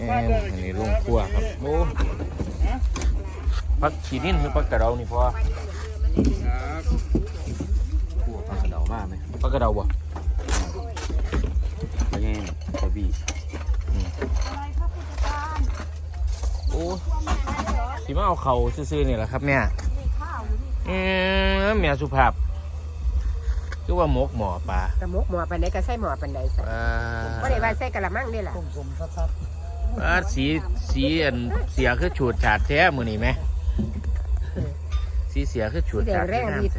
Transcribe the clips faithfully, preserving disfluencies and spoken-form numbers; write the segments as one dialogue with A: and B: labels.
A: อันนี้ลงครัวครับโอ้พักขีนิ่นคือพักกระเดานี่พ่อครัวพักกระเดามากไหมพักกระเดาบ่พักแง่กระบี่โอ้สิมาเอาเข่าซื่อๆนี่แหละครับแม่เออแม่สุภาพคือว่าหมกหมอปลาก
B: ระมกหมอปันไหนก็ใส่หมอปันไหนใส่ก็ได้ว่าใส่กระมังนี่แหละ
A: อ่าสีสีอันเสียคือฉูดฉาดแท้มือนี่ไหมสีเสียคือฉูดฉาด
B: แรงนิด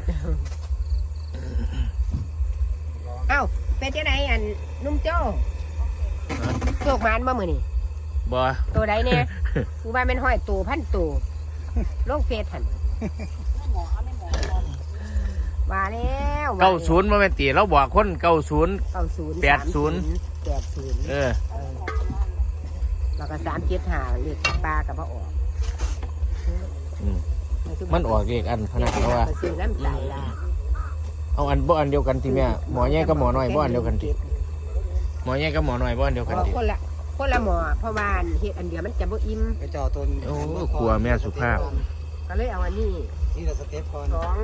B: เอ้าเป็นที่ไหนอันนุ่มโจ้โจกมันบ่มือนี่
A: บ่
B: ตัวใดเนี่ยกูว่าเป็นห้อยตัวพันตัวโลกเฟสหันว่าแล้ว
A: เก้าศูนย์มาเป็นตีเราบอกคนเก้าศูนย์
B: เก้าศูนย์
A: แปดศูนย์
B: แปดศูนย์
A: เออ
B: แล้วก็สามเจ็ดหาเลขปลากับพ่อออก
A: อืมมันออกเลขอันพนักเขาว่า
B: ซื้อน้ำตาลลา
A: เอาอันบ่อันเดียวกันทีแม่หมอแย่กับหมอน้อยบ่อันเดียวกันทีหมอแย่กับหมอน้อยบ่อันเดียวกันที
B: คนละคนละหมอเพราะว่าเฮ็ดอันเดียวมันจะบ่อิ่ม
C: ไปจ่อต้น
A: โอ้กลัวแม่สุภาพ
B: ก็เลยเอาอันนี้
C: ที่เราสเต็ปก่อน
B: สอง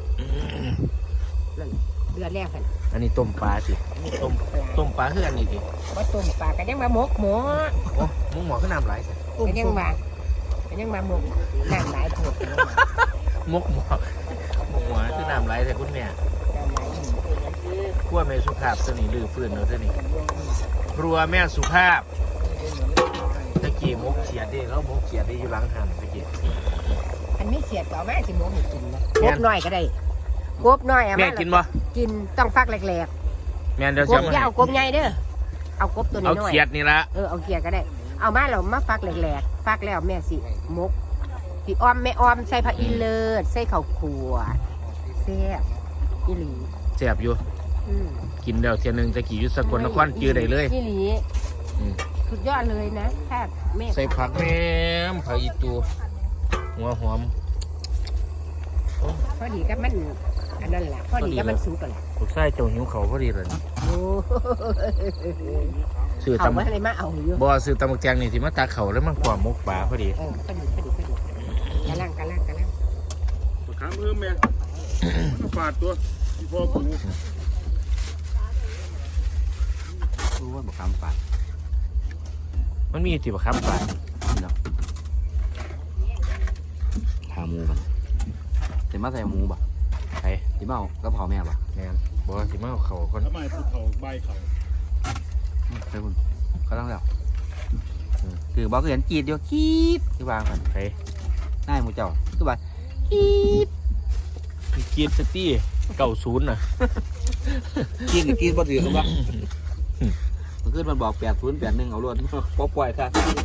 B: นั่นเดือนแรกกัน
A: อันนี้ต้มปลาสิต้มต้มปลาคืออันนี้สิ
B: ว่าต้มปลากันยังมาหมกหมอ
A: โอ้มึงหมอขึ้นน้ำไหลสิ
B: กันยังมากันยังมาหมกน้ำหลายโผด
A: มกหมอมกหมอขึ้นน้ำไหลแต่คุณแม่
B: น้ำหลาย
A: ครัวแม่สุภาพตัวนี้ลือฟื้นเนาะตัวนี้ครัวแม่สุภาพตะกี้มกเขียดดิแล้วมกเขียดดิอยู่หลังหันตะกี้
B: อันนี้เสียดต่อมาสิหมกให้กินนะกบน้อยก็ได้กบน้อยอ่ะ
A: แม่กินบ่
B: กินต้องฟักแหลก
A: แม่เดี๋ยว
B: ๆก
A: จะ
B: บ
A: มา
B: อย่าเอากบใหญ่เด้อเอากบตัวนี้
A: เอา
B: น้อย
A: เขียดนี่ละ
B: เออเอาเขียดก็ได้ เอามาเรามาฟักแหลกๆฟักแล้วแม่สิหมกสิอ้อมแม่อ้อมใส่ผักอีเลิศใส่ข้าวขัวแซ่บอีหลี
A: แซ่บอยู่
B: อืม
A: กินเดี๋ยวเทียนึงจะกี่ยุทธสกลนครจื้อได้เลย
B: อีหลี
A: อืม
B: สุดยอดเลยนะถ้าแม่
A: ใส่ผักแหนมผักอีตูหัวหอม
B: พอดีกับมันอันนั้นแหละพอดีกับมันสุกกันแหละ
A: ลูกไส้เจ้าหิวเขาพอดีเลย
B: โอ้
A: ซื้อ
B: เขา
A: ตำ
B: ว่าอะไรมาเอาอยู่
A: บ่ซื้อตำบักแจงนี่สิมาตาเขาแล้วมันความมกปลาพอดี
B: เออพอดีพอดีพอดีกระลังกระลังกระลัง
D: ขาเพิ่มแม่มันฝาดตัวที่พ่อกู
C: รู้ว่าบอกคำฝาด
A: มันมีติบครับปลา
C: เนาะถาหมูกันเดี๋ยวมาใส่หมูบ่
A: ไอ้
C: ที่มาเอากระเพราแม่บ่
A: แมนบอกว่าสิมาเอาเขาก่อน
D: ทำไมภูเขาใบเขา
C: ใช่คุณเขาต้องแล้วคือบอกเห็นกีดเดียวกีดที่วางกัน
A: ไอ้
C: ง่ายหมูเจ้าคือว่ากีด
A: กีดสตี้เก่าศูนย์น่ะ
C: กีดกับกีดบ่ถือกันบ่มันขึ้นมันบอกแปดศูนย์แปดหนึ่งเอาล้วนป๊อปปล่อยค่ะ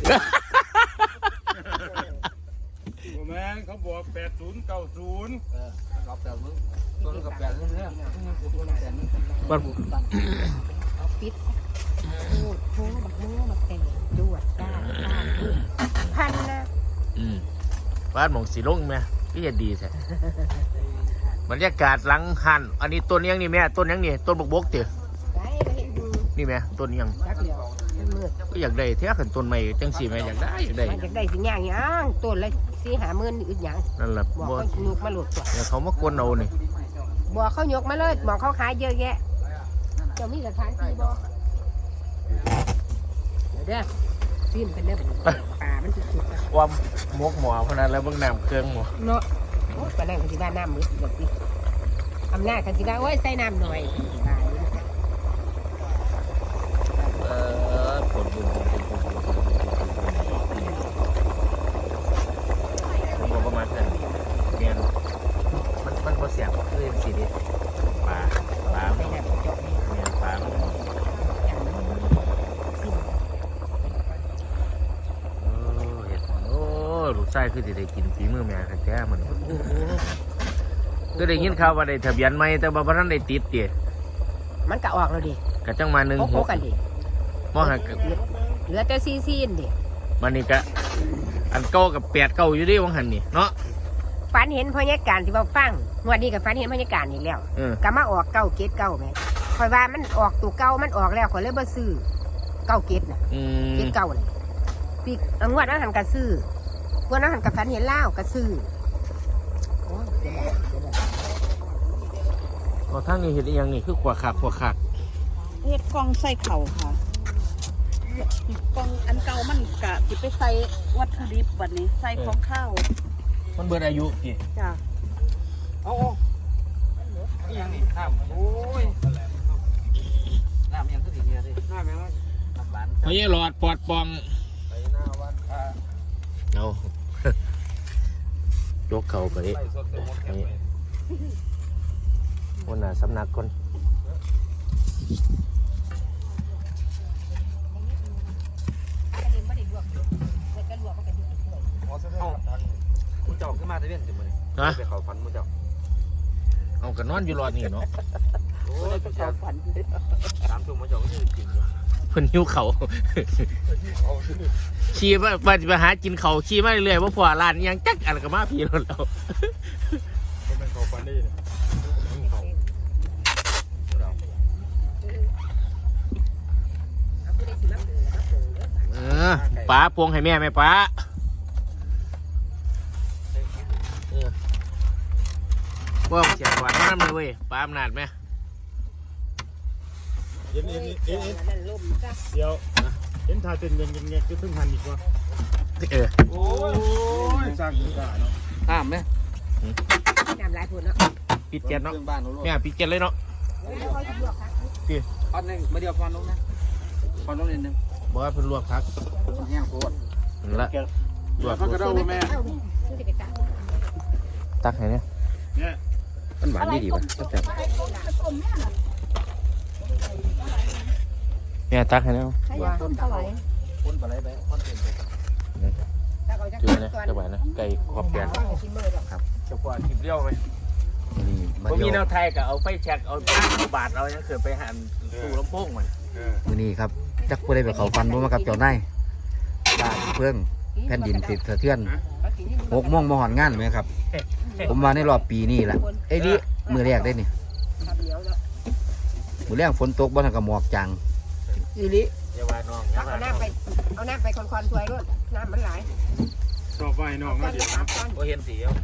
D: โอ้แม่งเขาบอกแปดศูนย์เก้าศูนย์
C: รับแต่มึงต้นกับแปดเรื่องเนี้ย
A: มัน
B: ปิดโอ้โหบักโม่บักแตงดวดก้าพันนะ
A: อืมบ้านหมองสีลงไหมพี่จะดีแท้บรรยากาศหลังหันอันนี้ต้นยังนี่แม่ต้นยังนี่ต้นบกบกเตี๋ย
B: ไปไปเห็นดู
A: นี่แม่ต้นยัง
B: จักเหลียวมันมืด
A: ก็อยากได้แท้ขันต้นใหม่จังสีแม่อยากได้อยากได้
B: มันจะได้สิย่างย่างต้นละสี่หาหมื่นอึดหยัง
A: นั่นแหละ
B: บอก
A: บ่
B: เขายกมาโหลดตัว
A: เดี๋ยวเขามากวนเอานี่
B: บอกเขายกมาเลยบอกเขาขายเยอะแยะเจ้ามีสถานที่บอกเดี๋ยวเด้อซิมเป็นเด้อป่ามันสุดๆอะ
A: ความมกหมอพนันแล้วเบิ่งน้ำเครื่องหมอ
B: เนาะโอ้ยปานนั่งกันที่บ้านน้ำมืดแบบนี้อำนาจกันที่บ้านโอ้ยใส่น้ำหน่อยตาย
A: เออผลบุญบุญบุญบุญบุญบุญบุญผมบอกประมาณนั้นเนียนมันมันบ่เสียงคือยังสีนี้ปลาปลา
B: ใส่
A: เนีย
B: น้ำเจาะนี่
A: นปลามัน
B: อย่างนี้ซิม
A: โอ้เห็ดโอ้ลูกไส้คือสิได้กินฝีมือแม่แท้ๆมัน
B: โอ้โห
A: ก็ได้ยินข่าวว่าได้ทะเบียนใหม่แต่ว่าบ่ทันได้ติดติ
B: มันก็ออกแล้วดิ
A: ก็จังมาหนึ่ง
B: โอ้
A: ห
B: โห
A: ก
B: กันดิ
A: มอหัก
B: เหลือแต่ซีซีนดิ
A: มันนี่ก็อันเก่ากับแปดเก่าอยู่ดิวังหันนี่เนาะ
B: ฝันเห็นพญาการที่ว่าฟังงวดนี้กับฝันเห็นพญาการอีกแล้ว
A: เออ
B: ก็มาออกเก้าเกตเก้าแม่คอยว่ามันออกตัวเก้ามันออกแล้วคอยเลยบ่ซื้อเก้าเกตน่ะ
A: อื
B: เก
A: ม
B: ตเก้าน่ะปีกงวดอาหารกระซื้องวดอาหารกระฟันเห็นเล่ากระซื้อ
A: ก็ทั้งนี้เห็นอีหยังนี่คือขวาขากขวาขาก
E: เฮ็ดกล่องใส่เข่าค่ะกล่องอันเก่ามันกะสิไปใส่วัตถุดิบบัดนี้ใส่ของข้าว
A: มันเบิดอายุกี่
E: จ้ะ
C: เอาๆนี่ยังนี่น้ำโอ้ยน้ำยังก็ดีเนี่ยสิน้ำยังน้ำหวาน
A: ไม่ใช่หลอดปอดปอง
C: ไปหน้าวันค่ะ
A: เอา ยกเข่าไป
C: ไล่สดไปหมดแคมป์เลย
A: วันน่ะสำนักคน
C: เอ้ามูเจ้าขึ้นมาได้เว้นจังมื้อนี้
A: ฮะ
C: ไปเข้าฝันมูเจ้า
A: เอากันนอนอยู่รอดนี่เนาะ
C: โอ้
E: บ่
C: ย
E: ได้ไปเข้าฝัน
C: สามทุ่มมูเจ้าก็จะกินอยู่
A: เพิ่นหิวเขา ขี่มาไปไปหากินเขาขี่มาเรื่อยๆว่าพอร้านอิหยังจักอันก็มาพี่รถแล้ว
D: ก็เป็นเขาฟันได้เลย
A: เออป้าปวงให้แม่ไหมป้าเออว่าเสียงหวานน้ำเลยเว้ยป้าอำนาจไหม
D: เอ็นเอ็นเอ็นเอ็นเดี๋ยวเอ็นทาเต็นยังยังยังจะถึงหันอีกวะ
A: เออ
D: โอ้ยสร้างขึ้นได้เนาะ
C: ห้ามไหม
B: น้ำลายผุนเนาะ
A: ปิดเจ็ดเนาะ
C: เครื่องบ้านเราลูก
A: แม่ปิดเจ็ดเลยเนาะ
C: พอนหนึ่งมาเดียวพอนลงนะพอนลงนิดนึง
A: บอกว่าเพิ่นลวกพัก
C: แห้งโคตร
A: นั่นละลวก
D: ก็กระโดดแม่
A: ตักให้เนี่ย
D: เนี่ย
C: มันหวานดีดีป่ะตั้งแต่
A: แม่ตักให้เนี่ย
E: ต้นเท่าไหร่
C: คนปลาไหลไปพอนเต็มไป
A: จืดนะจะไหวนะไก่ขอบแกนครับจะกว่าทิพเลี้ยวไหม
C: นี่มา
A: ผม
C: เดี
A: มี
C: ยว
A: แนวไทยกับเอาไฟแช็กเอาตั้งเอาบาทเอายังเคยไปหันตู้ลำโพงมัน
D: เออ
C: มือนี้ครับจักผู้ใดไปเขาฟันบ่มากับเจ้านายบ้านเพื่องแผ่นดินสิสะเทือนหกโมงมาหอนงานไหมครับ ผมมาในรอบปีนี้แหละไอ้นี่มือแรกได้นี่มือแรกฝนตกบ้านกับหมอกจังอีลิ
A: อย่าว่าน้องอย่า
B: เอา
A: ว่าน้
B: น้ำ
A: อง
B: ไปเอาน้ำไปคอนๆถวยรถน้ำมันไหล
D: ชอบไหว้น้องมาเดี๋ยวนะ
A: บ่เห็นสีเอา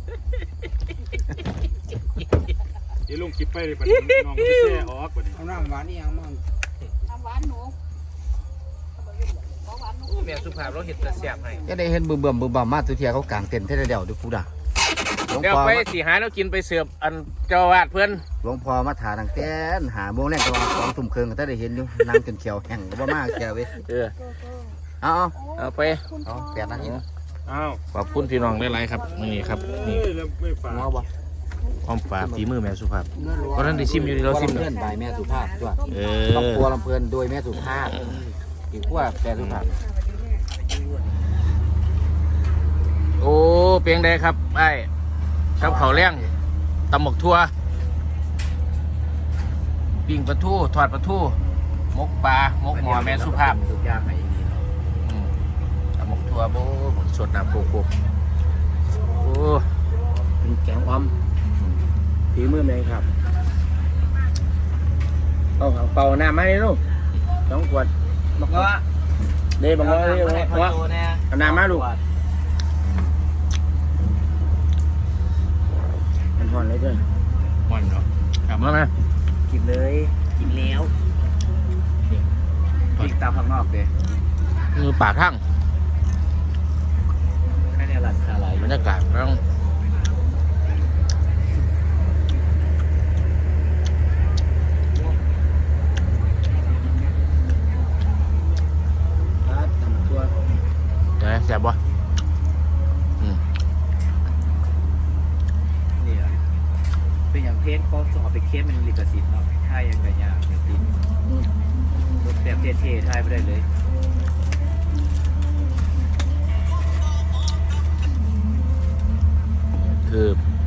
D: เดี๋ยวลงคลิปไปเลยปัดน้องก็ไปแช่ออกปัดนี้
C: เอาน้ำหวานนี่ยังมั่ง
E: น้ำหวานหนูบ่หวานหนู
A: โอ้แม่สุภาพเราเห็นแต่เสียบให้
C: จะได้เห็นเบิ่มเบิ่มเบิ่มบ่มมาตัวเทียเขากางเต็นท์เท่าเดียวดูกูด่าหลวง
A: เดี๋ยว
C: พ่อ
A: ไปสีหายแล้วกินไปเสิร์ฟอันเจ้าอาวาดเพื่อน
C: หลวงพ่อมาถาดังแต่นหาโมงแรกก็ว่าสองทุ่มครึ่งก็ได้เห็นอยู่นั่งจนเขียวแห้งบ่มากแกเว้ย
A: เออ
C: เอาเอา
A: เอาไป
C: เอาแปดนาทีนะ
D: อ้าว
A: ขอบคุณพี่น้องหลายๆครับนี่ครับ
D: เฮ้
A: นี่
D: ยแล้วไม่ฝา
C: หัวบ่
A: ความฝาฝีมือแม่สุภาพเพราะท่านได้ชิมอยู่นี่เราชิม
C: เพื่
A: เนาะ
C: อนบายแม่สุภาพด้วย
A: เอ
C: ครอบ
A: อ
C: ครัวลำเพลินโดยแม่สุภาพอีกขั้วแม่สุภาพ
A: โอ้เพียงใดครับไอ้กับเขาวแรงตำหมกทั่วปิ้งปลาทูทอดปลาทูมกปลามกหมอแม่สุภาพ
C: ทุกอย่างไหน
A: อืมตำหมกทั่วโบ้สดน้ำโปกๆโอ้
C: เป็นแกงอ้อมฝีมือแม่ครับเอาเป่าน้ำมาเลยลูกสองขวดบอกว่าเด้บอกว่าเด้บอกว่าเอาน้ำมาลูกมันหอนเลยด้วย
A: มันเนาะกลับมาไหม
C: กินเลยกินแล้วกินตามข้างนอกเลย
A: มือปากทั้ง
C: แค่นี้หลังคาไหล
A: บรรยากาศต้อง
C: ครับทำตัว
A: นะแซ่บบ่อืม
C: นี่แหละเป็นอย่างเพจก็สอบไปเคสเป็นลิขสิทธิ์เนาะถ้ายังไงยากอย่างติดแบบเท่ๆทายไปได้เลย
A: คือ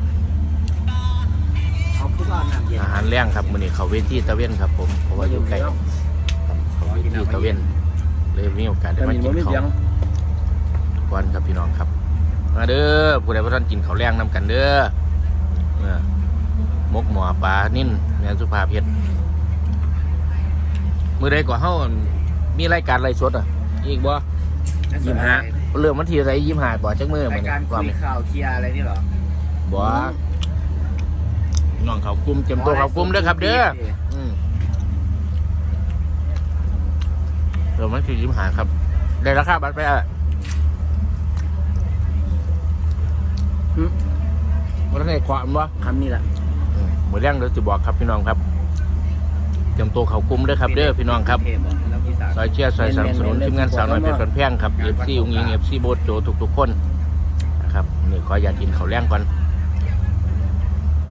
C: เอาผู้บ้านน้ำเย็น
A: อาหารแรงครับมื้อนี้เขาเวทีตะเวนครับผมเพราะว่าอยู่ใกล้เขาเวทีตะเวนเลยมีโอกาสได้มากินข้าวก่อนครับพี่น้องครับมาเด้อผู้ใดบ่ทันกินข้าวแรงนำกันเด้อเออมกหมอปลานิ่นแม่สุภาพเฮ็ดมื้อใดก็เฮามีรายการไลฟ์สดอ่ะอีกบ่ยี่ห้าเริ่มวันที่อะไรยี่ห้าบ่จักมือเหมื
C: รา
A: อย น
C: การ
A: ว่า
C: คุย
A: มัน
C: ข่าวเคลียร์อะไรนี่เหรอ
A: บ่น้องเขากลุ่มเตรียมตัวเขากลุ่มเด้อครับ เด้ออืมเริ่มวันที่ยี่ห้าครับได้ราคาบัตรไปอ่ะวันนี้ความวะ
C: คำนี้แหละ
A: เหมือนเรื่องเดี๋ยวจะบอกครับพี่น้องครับเตรียมตัวเขากลุ่มเด้อครับ เด้อพี่น้องครับซอยเชียร์ซอยสนับสนุนทีมงานสาวน้อยเพชรพันแพงครับเอฟซีอุ้งยิงเอฟซีโบสโจทุกๆคนนะครับนี่ขออย่ากินเขาวแรงก่อน